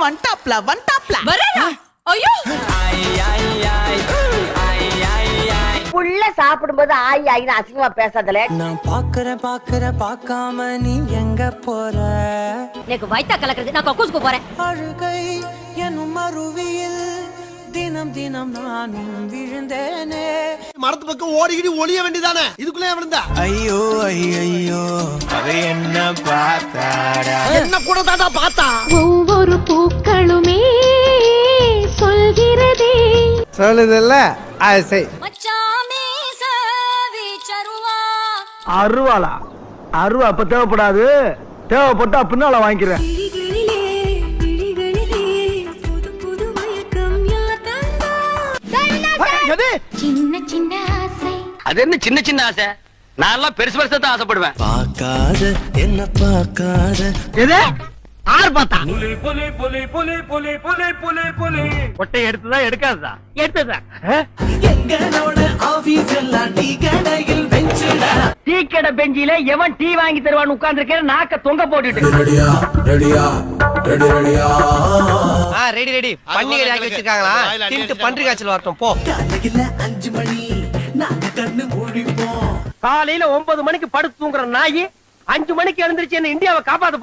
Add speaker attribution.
Speaker 1: வந்துட்டாப்ல
Speaker 2: வரேனா? ஐயோ
Speaker 3: புள்ள சாப்பிடும்போது ஆயி ஆயின்னு அசிங்கமா பேசாதல.
Speaker 4: நான் பார்க்காம நீ எங்க போற?
Speaker 2: எனக்கு வயித்தா கலக்குறது, நான் கக்கூஸ்க்கு போறேன்.
Speaker 4: அழுகை எனும் அருவியில் தினம் தினம் நானும் விழுந்தேனே.
Speaker 5: மரத்து பக்கம் ஓடிக்கிட்டு ஒளிய வேண்டியதானே, இதுக்குள்ளே விழுந்தா?
Speaker 4: ஐயோ ஐயோ அவ என்ன பார்த்தாடா?
Speaker 5: என்ன கூட தாண்டா பார்த்தா?
Speaker 6: ஒவ்வொரு பூக்களுமே சொல்கிறதே.
Speaker 7: சொல்லுதல்ல ஆசை.
Speaker 2: மச்சாமே சவி சருவா.
Speaker 7: அருவாளா? அருவா அப்ப தேவைப்படாது, தேவைப்பட்டா பின்னால வாங்கிக்கிறேன்.
Speaker 6: சின்ன சின்ன ஆசை.
Speaker 8: அது என்ன சின்ன சின்ன ஆசை? நான் எல்லாம் பெருசு பெருசா தான் ஆசைப்படுவேன்.
Speaker 4: பார்க்காத என்ன பார்க்காத.
Speaker 7: எது? ஆறு பார்த்தா
Speaker 8: கொட்டை எடுத்துதா எடுக்காதா? எடுத்ததா.
Speaker 4: எங்களோட ஆபீஸ் எல்லாம் டீ கடையில் பெஞ்சுடா.
Speaker 8: டீ கடை பெஞ்சில எவன் டீ வாங்கி தருவான்னு உட்கார்ந்து இருக்கிற நாக்க தொங்க போட்டுட்டு.
Speaker 9: ரெடி ரெடி பன்னிகை ஆக்கி வச்சிருக்காங்களா? தின்ட்டு பன்றி காய்ச்சல் வரட்டும் போ.
Speaker 4: காலையில 5 மணி நாங்க கண்ணு மூடிப்போம்.
Speaker 8: காலையில 9 மணிக்கு படுத்து தூங்குற நாய் 5 மணிக்கு எழுந்திருச்சு என்ன இந்தியாவை காப்பாத்த